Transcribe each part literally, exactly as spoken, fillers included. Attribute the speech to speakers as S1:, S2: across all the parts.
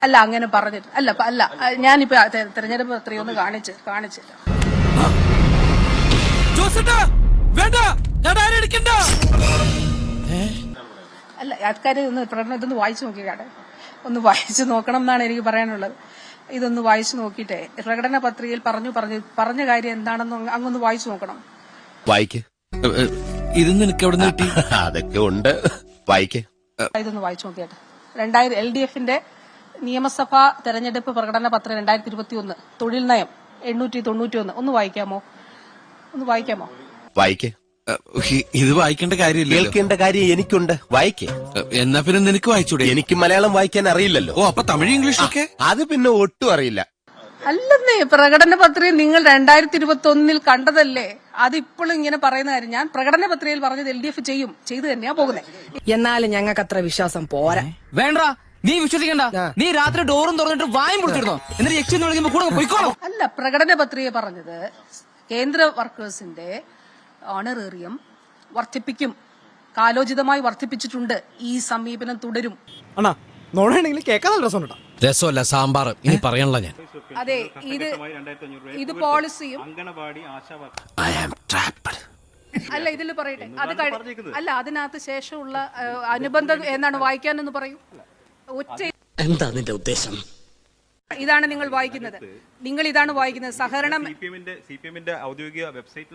S1: അല്ല അങ്ങനെ പറഞ്ഞിട്ട് അല്ല അല്ല ഞാനിപ്പോ തെരഞ്ഞെടുപ്പ് പത്രിക ഒന്ന് കാണിച്ച് കാണിച്ചില്ല. അല്ല ആൾക്കാര് ഒന്ന് പ്രകടനം ഇതൊന്ന് വായിച്ചു നോക്കിക്കാട്ടെ, ഒന്ന് വായിച്ചു നോക്കണം എന്നാണ് എനിക്ക് പറയാനുള്ളത്. ഇതൊന്ന് വായിച്ചു നോക്കിയിട്ടേ പ്രകടന പത്രികയിൽ പറഞ്ഞു പറഞ്ഞു പറഞ്ഞ കാര്യം എന്താണെന്ന് അങ്ങൊന്ന് വായിച്ചു നോക്കണം.
S2: വായിക്ക്. ഇത് നിനക്ക് എവിടെ കിട്ടി? അതൊക്കെ ഉണ്ട്, വായിക്ക്.
S1: ഇതൊന്ന് വായിച്ചു നോക്കിയാട്ടെ. രണ്ടായിരം എൽ ഡി എഫിന്റെ നിയമസഭാ തെരഞ്ഞെടുപ്പ് പ്രകടന പത്രം രണ്ടായിരത്തി ഇരുപത്തി ഒന്ന് തൊഴിൽ നയം എണ്ണൂറ്റി തൊണ്ണൂറ്റി ഒന്ന് ഒന്ന് വായിക്കാമോ? ഒന്ന് വായിക്കാമോ?
S2: വായിക്ക്. ഇത് വായിക്കേണ്ട കാര്യമില്ല, കേൾക്കേണ്ട കാര്യം എനിക്കുണ്ട്. വായിക്ക്. എന്നാ പിന്നെ നിനക്ക് വായിച്ചൂടെ? എനിക്ക് മലയാളം വായിക്കാൻ അറിയില്ലല്ലോ. ഓ, അപ്പൊ തമിഴ് ഇംഗ്ലീഷൊക്കെ? അത് പിന്നെ ഒട്ടും അറിയില്ല.
S1: അല്ലെന്നേ, പ്രകടന പത്രിക നിങ്ങൾ രണ്ടായിരത്തി ഇരുപത്തി ഒന്നിൽ കണ്ടതല്ലേ? അതിപ്പോഴും ഇങ്ങനെ പറയുന്ന കാര്യം ഞാൻ പ്രകടന പത്രികയിൽ പറഞ്ഞത് എൽ ഡി എഫ് ചെയ്യും, ചെയ്തു തന്നെയാ പോകുന്നത്.
S3: എന്നാലും ഞങ്ങൾക്ക് അത്ര വിശ്വാസം പോരാ.
S4: വേണ്ട, നീ വിശ്വസിക്കണ്ട. നീ രാത്രി ഡോറും തുറന്നിട്ട് വായും പൊളിച്ചിരുന്നോ? എന്നിട്ട് യക്ഷി എന്ന് വിളിക്കുമ്പോ കൂടെ പോയിക്കോളൂ.
S1: അല്ല, പ്രകടന പത്രിക പറഞ്ഞത് കേന്ദ്ര വർക്കേഴ്സിന്റെ ഓണറേറിയം വർദ്ധിപ്പിക്കും, കാലോചിതമായി വർദ്ധിപ്പിച്ചിട്ടുണ്ട്. ഈ സമീപനം തുടരും.
S4: രസമല്ല സാമ്പാർ, ഇനി പറയണല്ലോ ഞാൻ.
S1: അതെ, ഇത് ഇത് പോളിസിയും അല്ല ഇതിൽ പറയട്ടെ. അത് അല്ല, അതിനകത്ത് ശേഷമുള്ള അനുബന്ധം എന്താണ് വായിക്കാനെന്ന് പറയൂ. ഒറ്റ
S3: എന്താ നിന്റെ ഉദ്ദേശം?
S1: ഇതാണ് നിങ്ങൾ വായിക്കുന്നത്. നിങ്ങൾ ഇതാണ് വായിക്കുന്നത്. സഹകരണം
S5: ഔദ്യോഗിക വെബ്സൈറ്റിൽ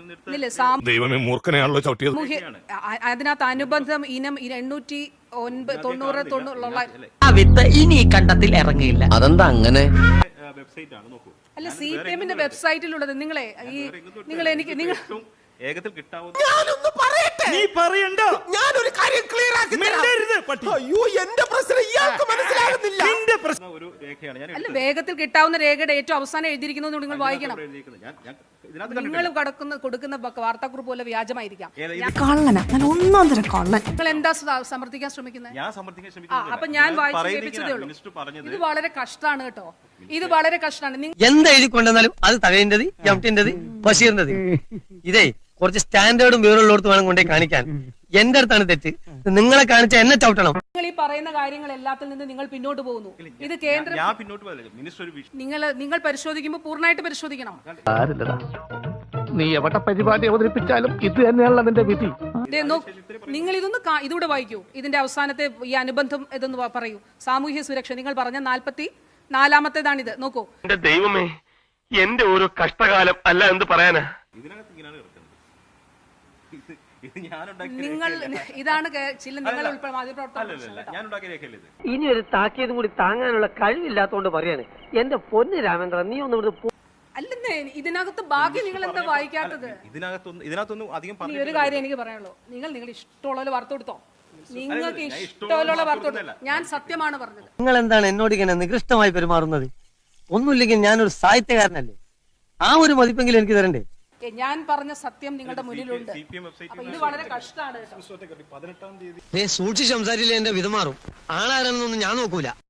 S1: അതിനകത്ത് അനുബന്ധം ഇനം എണ്ണൂറ്റി ഒൻപത് തൊണ്ണൂറ് തൊണ്ണൂറുള്ള
S3: ഇനി കണ്ടത്തിൽ ഇറങ്ങിയില്ല.
S4: അതെന്താ അങ്ങനെ?
S5: വെബ്സൈറ്റ് ആണ്, നോക്കൂ.
S1: അല്ല, സി പി എമ്മിന്റെ വെബ്സൈറ്റിലുള്ളത്. നിങ്ങളെ ഈ നിങ്ങൾ എനിക്ക് നിങ്ങൾ
S5: വേഗത്തിൽ കിട്ടാവുന്ന
S6: നീ പറയണ്ട. ഞാനൊരു കാര്യം ക്ലിയർ ആക്കി അയ്യോ, എന്റെ പ്രശ്നം ഇയാൾക്ക് മനസ്സിലാകുന്നില്ല. നിന്റെ പ്രശ്നം
S5: ഒരു രേഖയാണ് ഞാൻ.
S1: അല്ല, വേഗത്തിൽ കിട്ടാവുന്ന രേഖയുടെ ഏറ്റവും അവസാനം എഴുതിയിരിക്കുന്നത് നിങ്ങൾ വായിക്കണം. നിങ്ങൾ കടക്കുന്ന കൊടുക്കുന്ന വാർത്താക്കുറിപ്പ് പോലെ വ്യാജമായിരിക്കാം.
S3: കള്ളനാ, ഞാൻ ഒന്നാം തരം കള്ളൻ.
S1: നിങ്ങൾ എന്താ സമർത്ഥിക്കാൻ ശ്രമിക്കുന്നത്?
S5: ഞാൻ സമർത്ഥിക്കാൻ ശ്രമിക്കുന്നില്ല.
S1: അപ്പൊ ഞാൻ വായിച്ചു കേൾപ്പിച്ചതേ ഉള്ളൂ. ഇത് വളരെ കഷ്ടമാണ് കേട്ടോ, ഇത് വളരെ കഷ്ടമാണ്.
S7: എന്താ എഴുതി കൊണ്ടുവന്നാലും അത് തകഴിന്റത്, എംടിന്റത്, ബഷീറിന്റത്. ഇതേ കുറച്ച് സ്റ്റാൻഡേർഡും വിവരമുള്ളടത്ത് വേണം കൊണ്ടേ കാണിക്കാൻ. എന്റെ അടുത്താണ് തെറ്റ്. നിങ്ങളെ കാണിച്ച എന്നെ ചവിട്ടണം.
S1: നിങ്ങൾ ഈ പറയുന്ന കാര്യങ്ങൾ എല്ലാത്തിൽ നിന്ന് നിങ്ങൾ പിന്നോട്ട് പോകുന്നു. ഇത് കേന്ദ്ര നിങ്ങൾ നിങ്ങൾ പരിശോധിക്കുമ്പോൾ പൂർണ്ണമായിട്ട് പരിശോധിക്കണം.
S8: നീ എവിടെ പരിപാടി അവതരിപ്പിച്ചാലും ഇത് തന്നെയാണല്ലോ നിന്റെ വിധി.
S1: നിങ്ങൾ ഇതൊന്ന് ഇതൂടെ വായിക്കൂ. ഇതിന്റെ അവസാനത്തെ ഈ അനുബന്ധം ഇതൊന്ന് പറയൂ. സാമൂഹ്യ സുരക്ഷ നിങ്ങൾ പറഞ്ഞ നാൽപ്പത്തി നാലാമത്തേതാണിത്. നോക്കൂ.
S8: എന്റെ ദൈവമേ, എന്റെ ഒരു കഷ്ടകാലം അല്ല എന്ത് പറയാനാ.
S1: നിങ്ങൾ ഇതാണ് ചില നിങ്ങൾ ഉൾപ്പെടെ മാധ്യമപ്രവർത്തകർ
S7: ഇനി ഒരു താക്കിയതും കൂടി താങ്ങാനുള്ള കഴിവില്ലാത്തോണ്ട് പറയാണ്. എന്റെ പൊന്ന് രാമേന്ദ്ര, നീ ഒന്ന് ഇവിടുന്ന്
S1: അല്ലെന്നേ. ഇതിനകത്ത് ബാക്കി നിങ്ങൾ എന്താ വായിക്കാത്തത്?
S5: ഇതിനകത്തൊന്നും അധികം
S1: ഒരു കാര്യം എനിക്ക് പറയാനുള്ളൂ. നിങ്ങൾ നിങ്ങൾ ഇഷ്ടമുള്ള വാർത്ത കൊടുത്തോ, നിങ്ങൾക്ക് ഇഷ്ടമുള്ള വാർത്ത കൊടുത്തോ. ഞാൻ സത്യമാണ് പറഞ്ഞത്.
S7: നിങ്ങൾ എന്താണ് എന്നോട് ഇങ്ങനെ നികൃഷ്ടമായി പെരുമാറുന്നത്? ഒന്നുമില്ലെങ്കിൽ ഞാനൊരു സാഹിത്യകാരനല്ലേ? ആ ഒരു മതിപ്പെങ്കിലും എനിക്ക് തരണ്ടേ?
S1: ഞാൻ പറഞ്ഞ സത്യം നിങ്ങളുടെ മുന്നിലുണ്ട്. ഇത് വളരെ കഷ്ടമാണ്.
S7: സൂക്ഷിച്ച് സംസാരിച്ചില്ല എന്റെ വിധമാറും. ആളാരെന്നൊന്നും ഞാൻ നോക്കൂല.